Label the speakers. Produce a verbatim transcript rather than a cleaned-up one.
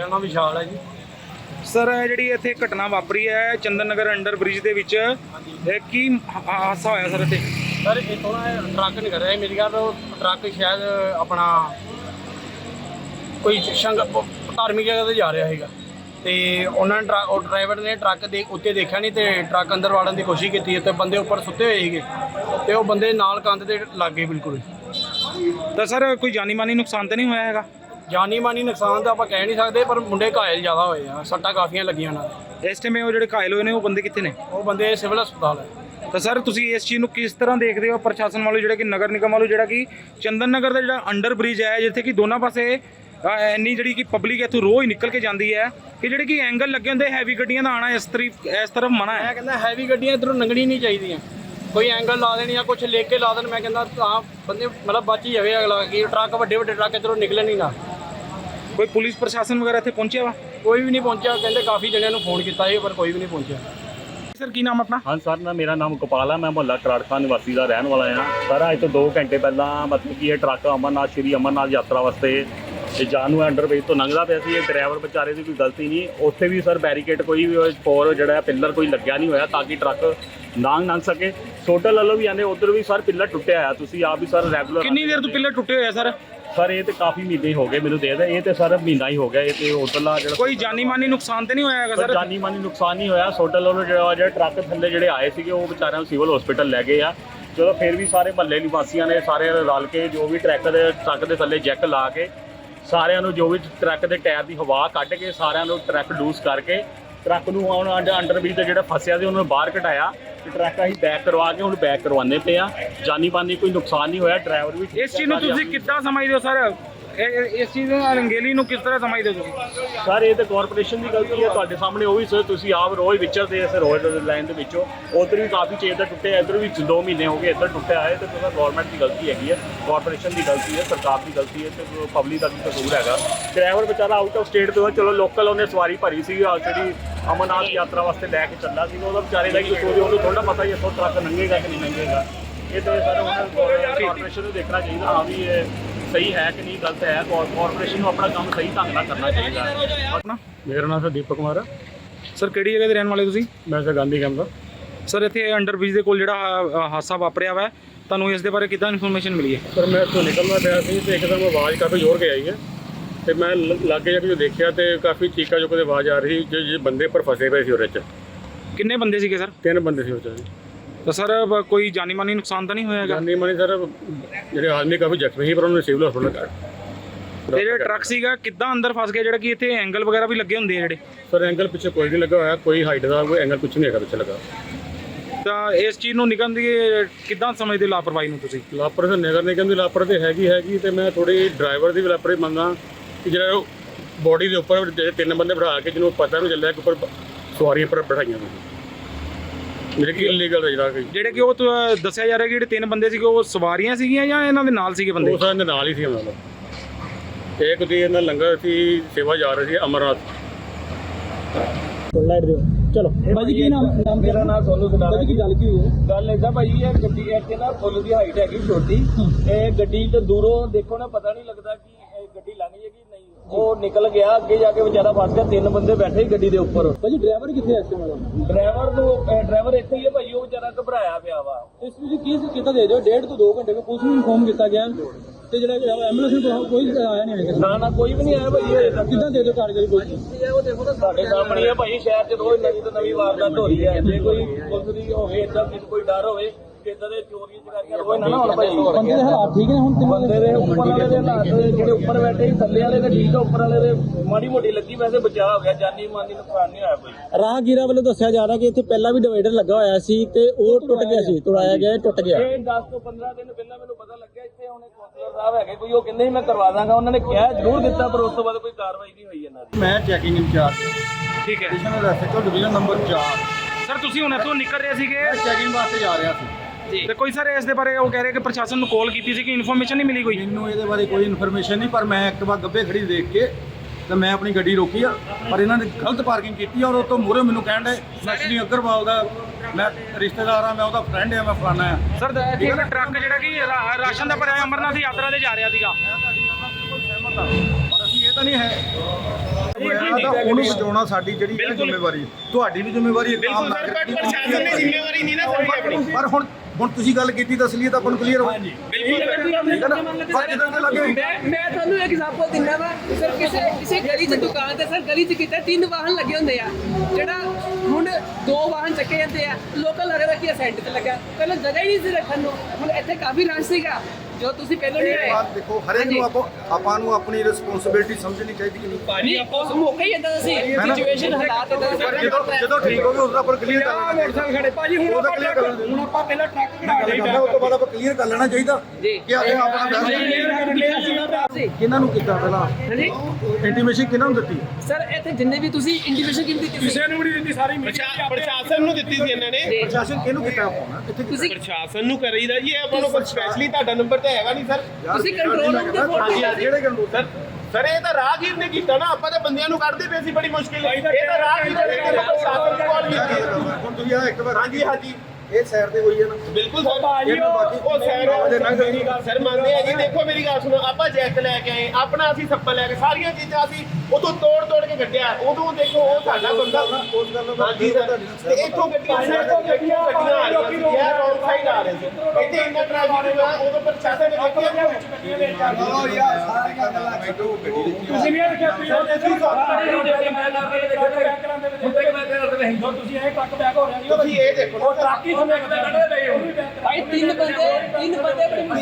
Speaker 1: ਮੇਰਾ ਨਾਮ ਵਿਸ਼ਾਲ ਹੈ ਜੀ।
Speaker 2: ਸਰ ਜਿਹੜੀ ਇੱਥੇ ਘਟਨਾ ਵਾਪਰੀ ਹੈ ਚੰਦਨ ਨਗਰ ਅੰਡਰ ਬ੍ਰਿਜ ਦੇ ਵਿੱਚ, ਇਹ ਕੀ ਹਾਦਸਾ ਹੋਇਆ ਸਰ ਇੱਥੇ?
Speaker 1: ਸਰ ਇੱਥੋਂ ਨਾ ਟਰੱਕ ਨਿਕਲ ਰਿਹਾ ਮੇਰੀ ਗੱਲ, ਉਹ ਟਰੱਕ ਸ਼ਾਇਦ ਆਪਣਾ ਕੋਈ ਸ਼ੰਗ ਧਾਰਮਿਕ ਜਗ੍ਹਾ 'ਤੇ ਜਾ ਰਿਹਾ ਸੀਗਾ ਤੇ ਉਹਨਾਂ ਨੇ ਉਹ ਡਰਾਈਵਰ ਨੇ ਟਰੱਕ ਦੇ ਉੱਤੇ ਦੇਖਿਆ ਨਹੀਂ ਤੇ ਟਰੱਕ ਅੰਦਰ ਵਾੜਨ ਦੀ ਕੋਸ਼ਿਸ਼ ਕੀਤੀ ਤੇ ਬੰਦੇ ਉੱਪਰ ਸੁੱਤੇ ਹੋਏ ਸੀਗੇ ਤੇ ਉਹ ਬੰਦੇ ਨਾਲ ਕੰਧ ਦੇ ਲੱਗ ਗਏ ਬਿਲਕੁਲ।
Speaker 2: ਤਾਂ ਸਰ ਕੋਈ ਜਾਨੀ ਮਾਨੀ ਨੁਕਸਾਨ ਤਾਂ ਨਹੀਂ ਹੋਇਆ ਹੈਗਾ?
Speaker 1: ਜਾਨੀ ਮਾਨੀ ਨੁਕਸਾਨ ਤਾਂ ਆਪਾਂ ਕਹਿ ਨਹੀਂ ਸਕਦੇ, ਪਰ ਮੁੰਡੇ ਘਾਇਲ ਜ਼ਿਆਦਾ ਹੋਏ ਆ, ਸੱਟਾਂ ਕਾਫੀਆਂ ਲੱਗੀਆਂ ਉਹਨਾਂ ਦੇ।
Speaker 2: ਇਸ ਟਾਈਮ ਉਹ ਜਿਹੜੇ ਘਾਇਲ ਹੋਏ ਨੇ ਉਹ ਬੰਦੇ ਕਿੱਥੇ ਨੇ?
Speaker 1: ਉਹ ਬੰਦੇ ਸਿਵਲ ਹਸਪਤਾਲ ਹੈ।
Speaker 2: ਤਾਂ ਸਰ ਤੁਸੀਂ ਇਸ ਚੀਜ਼ ਨੂੰ ਕਿਸ ਤਰ੍ਹਾਂ ਦੇਖਦੇ ਹੋ ਪ੍ਰਸ਼ਾਸਨ ਵੱਲੋਂ, ਜਿਹੜਾ ਕਿ ਨਗਰ ਨਿਗਮ ਵੱਲੋਂ ਜਿਹੜਾ ਕਿ ਚੰਦਨ ਨਗਰ ਦਾ ਜਿਹੜਾ ਅੰਡਰ ਬ੍ਰਿਜ ਹੈ ਜਿੱਥੇ ਕਿ ਦੋਨਾਂ ਪਾਸੇ ਇੰਨੀ ਜਿਹੜੀ ਕਿ ਪਬਲਿਕ ਇੱਥੋਂ ਰੋਜ਼ ਨਿਕਲ ਕੇ ਜਾਂਦੀ ਹੈ ਕਿ ਜਿਹੜੇ ਕਿ ਐਂਗਲ ਲੱਗੇ ਹੁੰਦੇ ਹੈਵੀ ਗੱਡੀਆਂ ਦਾ ਆਉਣਾ ਇਸ ਤਰਫ ਇਸ ਤਰਫ ਮਨਾ ਹੈ?
Speaker 1: ਮੈਂ ਕਹਿੰਦਾ ਹੈਵੀ ਗੱਡੀਆਂ ਇੱਧਰੋਂ ਲੰਘਣੀ ਨਹੀਂ ਚਾਹੀਦੀਆਂ, ਕੋਈ ਐਂਗਲ ਲਾ ਦੇਣ ਜਾਂ ਕੁਛ ਲੈ ਕੇ ਲਾ ਦੇਣ, ਮੈਂ ਕਹਿੰਦਾ ਤਾਂ ਬੰਦੇ ਮਤਲਬ ਬਚ ਹੀ ਜਾਵੇ ਅਗਲਾ, ਕਿ ਟਰੱਕ ਵੱਡੇ ਵੱਡੇ ਟਰੱਕ ਇੱਧਰੋਂ ਨਿਕਲਣ ਹੀ ਨਾ।
Speaker 2: ਕੋਈ ਪੁਲਿਸ ਪ੍ਰਸ਼ਾਸਨ ਵਗੈਰਾ ਇੱਥੇ ਪਹੁੰਚਿਆ ਵਾ?
Speaker 1: ਕੋਈ ਵੀ ਨਹੀਂ ਪਹੁੰਚਿਆ, ਕਹਿੰਦੇ ਕਾਫੀ ਜਣਿਆਂ ਨੂੰ ਫੋਨ ਕੀਤਾ ਸੀ ਪਰ ਕੋਈ ਵੀ ਨਹੀਂ ਪਹੁੰਚਿਆ।
Speaker 2: ਸਰ ਕੀ ਨਾਮ ਆਪਣਾ?
Speaker 3: ਹਾਂ ਸਰ, ਨਾ ਮੇਰਾ ਨਾਮ ਗੋਪਾਲ ਹੈ, ਮੈਂ ਮੁਹੱਲਾ ਕਰਾੜਖਾਨ ਨਿਵਾਸੀ ਦਾ ਰਹਿਣ ਵਾਲਾ ਹਾਂ। ਸਰ ਅੱਜ ਤੋਂ ਦੋ ਘੰਟੇ ਪਹਿਲਾਂ ਮਤਲਬ ਕਿ ਇਹ ਟਰੱਕ ਅਮਰਨਾਥ ਸ਼੍ਰੀ ਅਮਰਨਾਥ ਯਾਤਰਾ ਵਾਸਤੇ ਇਹ ਜਾਨੂ ਅੰਡਰ ਬ੍ਰਿਜ ਤੋਂ ਲੰਘਦਾ ਪਿਆ ਸੀ। ਇਹ ਡਰਾਈਵਰ ਵਿਚਾਰੇ ਦੀ ਕੋਈ ਗਲਤੀ ਨਹੀਂ, ਉੱਥੇ ਵੀ ਸਰ ਬੈਰੀਕੇਡ ਕੋਈ ਵੀ ਫੋਰ ਜਿਹੜਾ ਪਿੱਲਰ ਕੋਈ ਲੱਗਿਆ ਨਹੀਂ ਹੋਇਆ ਤਾਂ ਕਿ ਟਰੱਕ ਲੰਘ ਲੰਘ ਸਕੇ। ਸੋਟਲ ਵੱਲੋਂ ਵੀ ਆਉਂਦੇ ਉੱਧਰ ਵੀ ਸਰ ਪਿੱਲਰ ਟੁੱਟਿਆ ਹੋਇਆ, ਤੁਸੀਂ ਆਪ ਵੀ ਸਰ ਰੈਗੂਲਰ।
Speaker 2: ਕਿੰਨੀ ਦੇਰ ਤੋਂ ਪਿੱਲਰ ਟੁੱਟੇ ਹੋਏ ਆ ਸਰ?
Speaker 3: ਸਰ ਇਹ ਤੇ ਕਾਫੀ ਮਹੀਨੇ ਹੋ ਗਏ ਮੈਨੂੰ ਦੇ ਦੇ, ਇਹ ਤੇ ਸਰ ਮਹੀਨਾ ਹੀ ਹੋ ਗਿਆ। ਇਹ ਤੇ ਹੋਟਲ ਜਿਹੜਾ
Speaker 2: ਕੋਈ ਜਾਨੀ ਮਾਨੀ ਨੁਕਸਾਨ ਤੇ ਨਹੀਂ ਹੋਇਆ ਹੈਗਾ ਸਰ?
Speaker 3: ਜਾਨੀ ਮਾਨੀ ਨੁਕਸਾਨ ਨਹੀਂ ਹੋਇਆ। ਸੋਟਲ ਵੱਲੋਂ ਜਿਹੜਾ ਜਿਹੜਾ ਟਰੱਕ ਥੱਲੇ ਜਿਹੜੇ ਆਏ ਸੀਗੇ ਉਹ ਵਿਚਾਰਿਆਂ ਨੂੰ ਸਿਵਲ ਹਸਪੀਟਲ ਲੈ ਗਏ ਆ। ਚਲੋ ਫਿਰ ਵੀ ਸਾਰੇ ਮਹੱਲੇ ਨਿਵਾਸੀਆਂ ਨੇ ਸਾਰੇ ਰਲ ਕੇ ਜੋ ਵੀ ਟਰੱਕ ਦੇ ਟਰੱਕ ਦੇ ਥੱਲੇ ਜੈਕ ਲਾ ਕੇ ਸਾਰਿਆਂ ਨੂੰ ਜੋ ਵੀ ਟਰੱਕ ਦੇ ਟਾਇਰ ਦੀ ਹਵਾ ਕੱਢ ਕੇ ਸਾਰਿਆਂ ਨੂੰ ਟਰੱਕ ਲੂਸ ਕਰਕੇ ਟਰੱਕ ਨੂੰ ਹੁਣ ਅੰਡਰ ਬ੍ਰਿਜ ਤੇ ਜਿਹੜਾ ਫਸਿਆ ਸੀ ਉਹਨੂੰ ਬਾਹਰ ਕਢਾਇਆ ਤੇ ਟਰੱਕ ਅਸੀਂ ਬੈਕ ਕਰਵਾ ਕੇ ਹੁਣ ਬੈਕ ਕਰਵਾਉਂਦੇ ਪਏ ਆ। ਜਾਨੀ ਮਾਨੀ ਕੋਈ ਨੁਕਸਾਨ ਨਹੀਂ ਹੋਇਆ, ਡਰਾਈਵਰ ਵੀ।
Speaker 2: ਇਸ ਚੀਜ਼ ਨੂੰ ਤੁਸੀਂ ਕਿੱਦਾਂ ਸਮਝਦੇ ਹੋ ਸਰ? ਇਸ ਚੀਜ਼ ਨੂੰ ਰੰਗੇਲੀ ਨੂੰ ਕਿਸ ਤਰ੍ਹਾਂ ਸਮਝਦੇ ਹੋ ਤੁਸੀਂ?
Speaker 3: ਸਰ ਇਹ ਤਾਂ ਕਾਰਪੋਰੇਸ਼ਨ ਦੀ ਗਲਤੀ ਹੈ, ਤੁਹਾਡੇ ਸਾਹਮਣੇ ਉਹ ਵੀ ਸਰ ਤੁਸੀਂ ਆਪ ਰੋਜ਼ ਵਿਚਰਦੇ ਇਸ ਰੋਡ ਲਾਈਨ ਦੇ ਵਿੱਚੋਂ। ਉੱਧਰ ਵੀ ਕਾਫੀ ਚੇਰ ਦਾ ਟੁੱਟਿਆ, ਇੱਧਰ ਵੀ ਦੋ ਮਹੀਨੇ ਹੋ ਗਏ ਇੱਧਰ ਟੁੱਟਿਆ ਹੈ ਤੇ ਸਰ ਗਵਰਨਮੈਂਟ ਦੀ ਗਲਤੀ ਹੈਗੀ ਹੈ, ਕਾਰਪੋਰੇਸ਼ਨ ਦੀ ਗਲਤੀ ਹੈ, ਸਰਕਾਰ ਦੀ ਗਲਤੀ ਹੈ ਤੇ ਪਬਲਿਕ ਦਾ ਵੀ ਕਸੂਰ ਹੈਗਾ। ਡਰਾਈਵਰ ਵਿਚਾਰਾ ਆਊਟ ਆਫ ਸਟੇਟ ਤੋਂ, ਚਲੋ ਲੋਕਲ ਉਹਨੇ ਸਵਾਰੀ ਭਰੀ ਸੀ ਜਿਹੜੀ ਅਮਰਨਾਥ ਯਾਤਰਾ ਵਾਸਤੇ ਲੈ ਕੇ ਚੱਲਾ ਸੀ, ਉਹਦਾ ਵਿਚਾਰੇ ਦਾ ਕੀ ਕਸੂਰ, ਉਹਨੂੰ ਥੋੜ੍ਹਾ ਪਤਾ ਹੀ ਇੱਥੋਂ ਟਰੱਕ ਲੰਘੇਗਾ ਕਿ ਨਹੀਂ ਲੰਘੇਗਾ। ਇਹ ਤਾਂ ਸਰ ਉਹਨਾਂ ਕਾਰਪੋਰੇਸ਼ਨ ਨੂੰ ਦੇਖਣਾ ਚਾਹੀਦਾ ਹਾਂ ਵੀ ਇਹ ਸਹੀ ਹੈ ਕਿ ਨਹੀਂ ਗਲਤ ਹੈ। ਕਾਰਪੋਰੇਸ਼ਨ ਨੂੰ ਆਪਣਾ ਕੰਮ ਸਹੀ ਢੰਗ ਨਾਲ ਕਰਨਾ ਚਾਹੀਦਾ।
Speaker 2: ਆਪਣਾ?
Speaker 3: ਮੇਰਾ ਨਾਮ ਸਰ ਦੀਪਕ ਕੁਮਾਰ ਹੈ।
Speaker 2: ਸਰ ਕਿਹੜੀ ਜਗ੍ਹਾ ਦੇ ਰਹਿਣ ਵਾਲੇ ਤੁਸੀਂ?
Speaker 3: ਮੈਂ ਸਰ ਗਾਂਧੀ ਕੈਂਪ ਦਾ।
Speaker 2: ਸਰ ਇੱਥੇ ਅੰਡਰ ਬ੍ਰਿਜ ਦੇ ਕੋਲ ਜਿਹੜਾ ਹਾਦਸਾ ਵਾਪਰਿਆ ਵਾ, ਤੁਹਾਨੂੰ ਇਸ ਦੇ ਬਾਰੇ ਕਿੱਦਾਂ ਇਨਫੋਰਮੇਸ਼ਨ ਮਿਲੀ ਹੈ?
Speaker 3: ਸਰ ਮੈਂ ਇੱਥੋਂ ਨਿਕਲਦਾ ਪਿਆ ਸੀ ਤੇ ਇੱਕਦਮ ਆਵਾਜ਼ ਕਾਫੀ ਜ਼ੋਰ ਕੇ ਆਈ ਹੈ ਤੇ ਮੈਂ ਲਾਗੇ ਜਾ ਕੇ ਦੇਖਿਆ ਤੇ ਕਾਫੀ ਚੀਕਾ ਚੁੱਕ ਦੀ ਆਵਾਜ਼ ਆ ਰਹੀ ਸੀ, ਜੋ ਬੰਦੇ ਪਰ ਫਸੇ ਪਏ ਸੀ ਉਹਦੇ 'ਚ।
Speaker 2: ਕਿੰਨੇ ਬੰਦੇ ਸੀਗੇ ਸਰ?
Speaker 3: ਤਿੰਨ ਬੰਦੇ ਸੀ ਉਹਦੇ 'ਚ।
Speaker 2: ਤਾਂ ਸਰ ਕੋਈ ਜਾਨੀ ਮਾਨੀ ਨੁਕਸਾਨ ਤਾਂ ਨਹੀਂ ਹੋਇਆ ਹੈਗਾ?
Speaker 3: ਜਾਨੀ ਮਾਨੀ ਸਰ ਜਿਹੜੇ ਆਦਮੀ ਕਾਫੀ ਜ਼ਖਮੀ ਸੀ ਪਰ ਉਹਨਾਂ ਨੂੰ ਸਿਵਲ ਹਸਪਤਾਲ ਕਰ।
Speaker 2: ਤੇ ਜਿਹੜਾ ਟਰੱਕ ਸੀਗਾ ਕਿੱਦਾਂ ਅੰਦਰ ਫਸ ਗਿਆ, ਜਿਹੜਾ ਕਿ ਇੱਥੇ ਐਂਗਲ ਵਗੈਰਾ ਵੀ ਲੱਗੇ ਹੁੰਦੇ ਆ ਜਿਹੜੇ?
Speaker 3: ਸਰ ਐਂਗਲ ਪਿੱਛੇ ਕੋਈ ਨਹੀਂ ਲੱਗਾ ਹੋਇਆ, ਕੋਈ ਹਾਈਟ ਦਾ ਕੋਈ ਐਂਗਲ ਕੁਛ ਨਹੀਂ ਹੈਗਾ ਪਿੱਛੇ ਲੱਗਾ।
Speaker 2: ਤਾਂ ਇਸ ਚੀਜ਼ ਨੂੰ ਨਿਗਮ ਦੀ ਕਿੱਦਾਂ ਸਮਝਦੇ ਲਾਪਰਵਾਹੀ ਨੂੰ ਤੁਸੀਂ?
Speaker 3: ਲਾਪਰ ਨਗਰ ਨਿਗਮ ਦੀ ਲਾਪਰ ਤੇ ਹੈਗੀ ਹੈਗੀ ਤੇ ਮੈਂ ਥੋੜੀ ਡਰਾਈਵਰ ਦੀ ਵੀ ਲਾਪਰਵਾਹੀ ਮੰਗਾ ਕਿ ਜਿਹੜਾ ਬੋਡੀ ਦੇ ਉੱਪਰ ਜਿਹੜੇ ਤਿੰਨ ਬੰਦੇ ਬਿਠਾ ਕੇ ਜਿਹਨੂੰ ਪਤਾ ਨਹੀਂ ਚੱਲਿਆ ਕਿ ਉੱਪਰ ਸਵਾਰੀਆਂ ਪਰ ਬਿਠਾਈਆਂ ਨੇ, ਮੇਰੇ ਕੀ ਇਲੀਗਲ ਹੈ ਜਿਹੜਾ ਕਿ
Speaker 2: ਜਿਹੜੇ ਕਿ ਉਹ ਤਾਂ ਦੱਸਿਆ ਜਾ ਰਿਹਾ ਕਿ ਜਿਹੜੇ ਤਿੰਨ ਬੰਦੇ ਸੀਗੇ ਉਹ ਸਵਾਰੀਆਂ ਸੀਗੀਆਂ ਜਾਂ ਇਹਨਾਂ ਦੇ ਨਾਲ ਸੀਗੇ ਬੰਦੇ?
Speaker 3: ਉਹ ਸਾਰੇ ਨਾਲ ਹੀ ਸੀ ਉਹਨਾਂ ਨਾਲ। ਇੱਕ ਦੀ ਇਹਨਾਂ ਲੰਗਰ ਸੀ ਸੇਵਾ ਜਾ ਰਹੀ ਸੀ ਅਮਰਨਾਥ।
Speaker 1: ਲਾਈਟ ਦਿਓ ਚਲੋ।
Speaker 4: ਭਾਜੀ ਕੀ ਨਾਮ?
Speaker 1: ਮੇਰਾ ਨਾਮ ਸੋਨੂ ਸਦਾਰਾ।
Speaker 4: ਕੀ ਗੱਲ ਕੀ ਹੋਈ?
Speaker 1: ਗੱਲ ਏਦਾਂ ਭਾਈ, ਇਹ ਗੱਡੀ ਇੱਥੇ ਨਾ ਫੁੱਲ ਦੀ ਹਾਈਟ ਹੈਗੀ ਛੋਟੀ, ਇਹ ਗੱਡੀ ਤੋਂ ਦੂਰੋਂ ਦੇਖੋ ਨਾ ਪਤਾ ਨਹੀਂ ਲੱਗਦਾ ਕਿ ਇਹ ਗੱਡੀ ਲੰਘ ਜਾਏਗੀ ਨਹੀਂ, ਉਹ ਨਿਕਲ ਗਿਆ ਅੱਗੇ ਜਾ ਕੇ ਵਿਚਾਰਾ ਫਸ ਗਿਆ। ਤਿੰਨ ਬੰਦੇ ਬੈਠੇ ਸੀ ਗੱਡੀ ਦੇ ਉੱਪਰ।
Speaker 4: ਭਾਜੀ ਡਰਾਈਵਰ ਕਿੱਥੇ ਐ ਇਸ ਟਾਈਮ?
Speaker 1: ਡਰਾਈਵਰ ਨੂੰ ਡਰਾਈਵਰ ਇੱਥੇ ਹੀ ਹੈ ਭਾਈ, ਉਹ ਵਿਚਾਰਾ ਘਬਰਾਇਆ ਪਿਆ ਵਾ।
Speaker 4: ਇਸ ਵਿੱਚ ਕੀ ਕਿੱਦਾਂ ਦੇ ਦਿਓ? ਡੇਢ ਤੋਂ ਦੋ ਘੰਟੇ ਵਿੱਚ ਪੁਲਿਸ ਨੂੰ ਇਨਫੋਰਮ ਕੀਤਾ ਗਿਆ ਤੇ ਜਿਹੜਾ ਐਂਬੂਲੈਂਸ ਨੂੰ ਕੋਈ ਆਇਆ ਨਹੀਂ ਹਲੇ?
Speaker 1: ਨਾ ਨਾ ਕੋਈ ਵੀ ਨਹੀਂ ਆਇਆ ਭਾਈ ਹਜੇ ਤੱਕ।
Speaker 4: ਕਿੱਦਾਂ ਦੇ ਦਿਓ ਕਾਰਗਰੀ ਕੋਈ?
Speaker 1: ਉਹ ਦੇਖੋ ਨਾ ਸਾਡੇ ਸਾਹਮਣੇ ਹੈ ਭਾਈ, ਸ਼ਹਿਰ 'ਚ ਰੋਜ਼ ਨਵੀਂ ਤੋਂ ਨਵੀਂ ਵਾਰਦਾਤ ਹੋ ਰਹੀ ਹੈ। ਜੇ ਕੋਈ ਪੁਲਿਸ ਦੀ ਹੋਵੇ ਏਦਾਂ ਕੋਈ ਡਰ ਹੋਵੇ ਕਿੱਦਾਂ ਦੇ ਚੋਰੀਆਂ ਚਕਾਰੀਆਂ ਹੋਏ ਨਾ ਹੁਣ ਭਾਈ।
Speaker 4: ਬੰਦੇ ਦੇ ਹਾਲਾਤ ਠੀਕ ਨੇ ਹੁਣ?
Speaker 1: ਬੰਦੇ ਦੇ ਉੱਪਰ ਵਾਲੇ ਦੇ ਹਾਲਾਤ ਜਿਹੜੇ ਉੱਪਰ ਬੈਠੇ ਸੀ, ਥੱਲੇ ਵਾਲੇ ਦੇ ਠੀਕ ਆ, ਉੱਪਰ ਵਾਲੇ ਦੇ ਮਾੜੀ ਮੋਟੀ ਲੱਗੀ, ਵੈਸੇ ਬਚਾਅ ਹੋ ਗਿਆ, ਜਾਨੀ ਮਾਨੀ ਨੁਕਸਾਨ ਨਹੀਂ ਹੋਇਆ ਕੋਈ।
Speaker 4: ਰਾਹਗੀਰਾਂ ਵੱਲੋਂ ਦੱਸਿਆ ਜਾ ਰਿਹਾ ਕਿ ਇੱਥੇ ਪਹਿਲਾਂ ਵੀ ਡਿਵਾਈਡਰ ਲੱਗਾ ਹੋਇਆ ਸੀ ਤੇ ਉਹ ਟੁੱਟ ਗਿਆ ਸੀ, ਤੁੜਾਇਆ ਗਿਆ, ਟੁੱਟ ਗਿਆ।
Speaker 1: ਇਹ ਦਸ ਤੋਂ ਪੰਦਰਾਂ ਦਿਨ ਪਹਿਲਾਂ ਮੈਨੂੰ ਪਤਾ ਲੱਗਿਆ ਇੱਥੇ ਹੁਣੇ ਕੌਂਸਲਰ ਸਾਹਿਬ ਹੈਗੇ ਕੋਈ, ਉਹ ਕਹਿੰਦੇ ਸੀ ਮੈਂ ਕਰਵਾ ਦਾਂਗਾ, ਉਹਨਾਂ ਨੇ ਕਿਹਾ ਜ਼ਰੂਰ ਦਿੱਤਾ ਪਰ ਉਸ ਤੋਂ ਬਾਅਦ ਕੋਈ ਕਾਰਵਾਈ ਨਹੀਂ ਹੋਈ ਇਹਨਾਂ ਦੀ।
Speaker 5: ਮੈਂ ਚੈਕਿੰਗ ਇੰਚਾਰਜ
Speaker 2: ਠੀਕ ਹੈ
Speaker 5: ਐਡੀਸ਼ਨਲ ਐਸਐਚਓ ਡਿਵੀਜ਼ਨ ਨੰਬਰ ਚਾਰ।
Speaker 2: ਸਰ ਤੁਸੀਂ ਹੁਣ ਇੱਥੋਂ ਨਿਕਲ ਰਹੇ ਸੀਗੇ
Speaker 5: ਮੈਂ ਚੈਕਿੰਗ ਵਾਸਤੇ ਜਾ ਰਿਹਾ ਸੀ
Speaker 2: ਤੇ ਕੋਈ ਸਰ ਇਸ ਦੇ ਬਾਰੇ ਉਹ ਕਹਿ ਰਹੇ ਕਿ ਪ੍ਰਸ਼ਾਸਨ ਨੂੰ ਕਾਲ ਕੀਤੀ ਸੀ ਕਿ ਇਨਫੋਰਮੇਸ਼ਨ ਨਹੀਂ ਮਿਲੀ ਕੋਈ?
Speaker 5: ਮੈਨੂੰ ਇਹਦੇ ਬਾਰੇ ਕੋਈ ਇਨਫੋਰਮੇਸ਼ਨ ਨਹੀਂ, ਪਰ ਮੈਂ ਐਕਟਿਵਾ ਗੱਬੇ ਖੜੀ ਦੇਖ ਕੇ ਤੇ ਮੈਂ ਆਪਣੀ ਗੱਡੀ ਰੋਕੀ ਆ, ਪਰ ਇਹਨਾਂ ਨੇ ਗਲਤ ਪਾਰਕਿੰਗ ਕੀਤੀ ਔਰ ਉਹ ਤੋਂ ਮੂਹਰੇ ਮੈਨੂੰ ਕਹਿਣ ਦੇ ਨਸ਼ਨੀ ਅਗਰਵਾਲ ਦਾ ਮੈਂ ਰਿਸ਼ਤੇਦਾਰ ਆ, ਮੈਂ ਉਹਦਾ ਫਰੈਂਡ ਆ, ਮੈਂ ਫਲਾਣਾ ਆ।
Speaker 2: ਸਰ ਇੱਥੇ ਇੱਕ ਟਰੱਕ ਜਿਹੜਾ ਕਿ ਰਾ- ਰਾਸ਼ਨ ਦਾ ਭਰਿਆ ਅਮਰਨਾਥ ਯਾਤਰਾ ਤੇ ਜਾ ਰਿਹਾ ਸੀਗਾ।
Speaker 5: ਮੈਂ ਤੁਹਾਡੀ ਗੱਲ ਨਾਲ ਬਿਲਕੁਲ ਸਹਿਮਤ ਹਾਂ, ਪਰ ਅਸੀਂ ਇਹ ਤਾਂ ਨਹੀਂ ਹੈ।
Speaker 2: ਇੱਕ
Speaker 5: ਤਾਂ ਉਹਨੂੰ ਬਚਾਉਣਾ ਸਾਡੀ ਜਿਹੜੀ ਹੈ ਜ਼ਿੰਮੇਵਾਰੀ ਹੈ। ਤੁਹਾਡੀ ਵੀ ਜ਼ਿੰਮੇਵਾਰੀ ਹੈ ਆਮ ਨਾਗਰਿਕ ਦੀ।
Speaker 6: ਪ੍ਰਸ਼ਾਸਨ ਨੇ ਜ਼ਿੰਮੇਵਾਰੀ ਨਹੀਂ ਨਾ ਸਮਝੀ ਆਪਣੀ।
Speaker 5: ਪਰ ਹੁਣ ਹੁਣ ਤੁਸੀਂ ਗੱਲ ਕੀਤੀ ਤਾਂ ਅਸਲੀਅਤ ਆਪਾਂ ਨੂੰ ਕਲੀਅਰ ਹੋ
Speaker 6: ਬਿਲਕੁਲ
Speaker 5: ਪਰ ਜਿੱਦਾਂ ਦੇ ਲੱਗੇ
Speaker 7: ਮੈਂ ਮੈਂ ਤੁਹਾਨੂੰ ਇੱਕ ਐਗਜ਼ਾਮਪਲ ਦਿੰਦਾ ਵਾ ਸਰ ਕਿਸੇ ਕਿਸੇ ਗਲੀ 'ਚ ਦੁਕਾਨ ਤੇ ਸਰ ਗਲੀ 'ਚ ਕਿਤੇ ਤਿੰਨ ਵਾਹਨ ਲੱਗੇ ਹੁੰਦੇ ਆ ਜਿਹੜਾ ਹੁਣ ਦੋ ਵਾਹਨ ਚੱਕੇ ਜਾਂਦੇ ਆ ਲੋਕਾਂ ਲੱਗਦਾ ਕਿ ਇਹ ਸੈਂਟਰ ਤੇ ਲੱਗਾ ਪਹਿਲਾਂ ਜਗ੍ਹਾ ਹੀ ਨਹੀਂ ਸੀ ਰੱਖਣ ਨੂੰ ਹੁਣ ਇੱਥੇ ਕਾਫੀ ਰਸ਼ ਸੀਗਾ ਜੋ ਤੁਸੀਂ ਪਹਿਲਾਂ ਨਹੀਂ
Speaker 5: ਇਹ
Speaker 7: ਆਏ
Speaker 5: ਬਾਤ ਦੇਖੋ ਹਰੇਕ ਨੂੰ ਆਪਾਂ ਆਪਾਂ ਨੂੰ ਆਪਣੀ ਰਿਸਪੌਂਸਿਬਿਲਟੀ ਸਮਝਣੀ ਚਾਹੀਦੀ ਕਿ ਨਹੀਂ
Speaker 7: ਨਹੀਂ ਉਸ ਮੌਕੇ ਹੀ ਇਦਾਂ ਸੀ ਸਿਚੁਏਸ਼ਨ ਹਾਲਾਤ ਇਦਾਂ ਦੇ
Speaker 5: ਪਰ ਜਦੋਂ ਜਦੋਂ ਠੀਕ ਹੋ ਗਏ ਉਦੋਂ ਆਪਾਂ ਕਲੀਅਰ ਕਰ ਲੈਣਾ
Speaker 4: ਮੋਟਰਸਾਈਕਲ ਖੜੇ ਭਾਜੀ ਹੁਣ
Speaker 5: ਉਹਦਾ
Speaker 4: ਆਪਾਂ
Speaker 5: clear ਕਰ ਲੈਣਾ।
Speaker 4: ਹੁਣ ਆਪਾਂ ਪਹਿਲਾਂ ਟਰੱਕ ਕਢਾ
Speaker 5: ਗੱਲ ਕਰਦਾ ਉਸ ਤੋਂ ਬਾਅਦ ਆਪਾਂ ਕਲੀਅਰ ਕਰ ਲੈਣਾ ਚਾਹੀਦਾ
Speaker 7: ਜੀ।
Speaker 5: ਕਿ ਇਹ ਆਪਣਾ ਫੈਸਲਾ ਕਿਹਨਾਂ ਨੂੰ ਕੀਤਾ ਪਹਿਲਾਂ
Speaker 7: ਹਾਂਜੀ
Speaker 5: ਇੰਟੀਮੇਸ਼ਨ ਕਿਹਨਾਂ ਨੂੰ ਦਿੱਤੀ
Speaker 7: ਸਰ ਇੱਥੇ ਜਿੰਨੇ ਵੀ ਤੁਸੀਂ ਇੰਡੀਵਿਜੂਅਲ ਕਿੰਨੀ ਦਿੱਤੀ ਸੀ
Speaker 4: ਕਿਸੇ ਨੂੰ ਵੀ ਨਹੀਂ ਦਿੱਤੀ ਸਾਰੀ
Speaker 6: ਪ੍ਰਸ਼ਾ- ਪ੍ਰਸ਼ਾਸਨ ਨੂੰ ਦਿੱਤੀ ਸੀ ਇਹਨਾਂ ਨੇ।
Speaker 5: ਪ੍ਰਸ਼ਾਸਨ ਕਿਹਨੂੰ ਕੀਤਾ ਫੋਨ ਇੱਥੇ
Speaker 7: ਤੁਸੀਂ
Speaker 6: ਪ੍ਰਸ਼ਾਸਨ ਨੂੰ ਕਰੀਦਾ ਜੀ, ਇਹ ਆਪਾਂ ਨੂੰ ਕੋਈ ਸਪੈਸ਼ਲੀ ਤੁਹਾਡਾ ਨੰਬਰ ਤਾਂ ਹੈਗਾ ਨਹੀਂ ਸਰ।
Speaker 7: ਤੁਸੀਂ ਕੰਟਰੋਲ ਰੂਮ ਦੇ ਫੋਨ
Speaker 6: ਹਾਂਜੀ,
Speaker 7: ਕੀਤਾ ਸੀ
Speaker 5: ਜਿਹੜੇ ਕੰਟਰੋਲ
Speaker 6: ਸਰ ਸਰ ਇਹ ਤਾਂ ਰਾਹਗੀਰ ਨੇ ਕੀਤਾ ਨਾ, ਆਪਾਂ ਤਾਂ ਬੰਦਿਆਂ ਨੂੰ ਕੱਢਦੇ ਪਏ ਸੀ ਬੜੀ ਮੁਸ਼ਕਿਲ। ਇਹ ਤਾਂ ਰਾਹਗੀਰ ਨੇ ਕੀਤਾ, ਪ੍ਰਸ਼ਾਸਨ ਨੂੰ ਕਾਲ ਕੀਤੀ।
Speaker 5: ਹੁਣ ਤੁਸੀਂ ਆ ਇੱਕ ਵਾਰ
Speaker 6: ਹਾਂਜੀ ਹਾਂਜੀ
Speaker 5: ਇਹ ਸਾਈਡ ਤੇ ਹੋਈ ਹੈ ਨਾ
Speaker 6: ਬਿਲਕੁਲ ਸਰ।
Speaker 5: ਇਹਨਾਂ ਬਾਕੀ
Speaker 6: ਉਹ
Speaker 5: ਉਹਦੇ ਨਾਲ
Speaker 6: ਸਰ ਸਰ ਮੰਨਦੇ ਆ ਜੀ। ਦੇਖੋ ਮੇਰੀ ਗੱਲ ਸੁਣੋ, ਆਪਾਂ ਜੈਕ ਲੈ ਕੇ ਆਏ, ਆਪਣਾ ਅਸੀਂ ਸੱਪਲ ਲੈ ਕੇ ਸਾਰੀਆਂ ਚੀਜ਼ਾਂ ਅਸੀਂ ਉਦੋਂ ਤੋੜ ਤੋੜ ਕੇ ਕੱਢਿਆ। ਉਦੋਂ ਦੇਖੋ ਉਹ ਸਾਡਾ ਬੰਦਾ
Speaker 5: ਉਸ ਗੱਲ ਨੂੰ
Speaker 6: ਹਾਂਜੀ ਸਰ। ਤੇ ਇੱਥੋਂ ਗੱਡੀਆਂ ਇੱਥੋਂ ਗੱਡੀਆਂ ਗੱਡੀਆਂ ਆ ਰਹੀਆਂ ਸੀ, ਇਹ ਰੌਂਗ ਸਾਈਡ ਆ ਰਹੇ ਸੀ। ਇੱਥੇ ਇੰਨਾ ਟ੍ਰੈਫਿਕ ਹੋਇਆ, ਉਦੋਂ ਪ੍ਰਸ਼ਾਸਨ ਨੇ ਦੇਖਿਆ
Speaker 4: ਤੁਸੀਂ ਵੀ ਇਹ ਦੇਖਿਆ ਤੁਸੀਂ ਤੁਸੀਂ ਇਹ ਟਰੱਕ ਬੈਕ ਹੋ ਰਿਹਾ ਜੀ
Speaker 6: ਤੁਸੀਂ ਇਹ ਦੇਖੋ ਨਾ,
Speaker 4: ਟਰੱਕ ਹੀ ਥੱਲੇ ਕੱਢਦੇ ਪਏ ਹੋ
Speaker 7: ਭਾਈ ਤਿੰਨ ਬੰਦੇ ਤਿੰਨ ਬੰਦੇ ਬੜੀ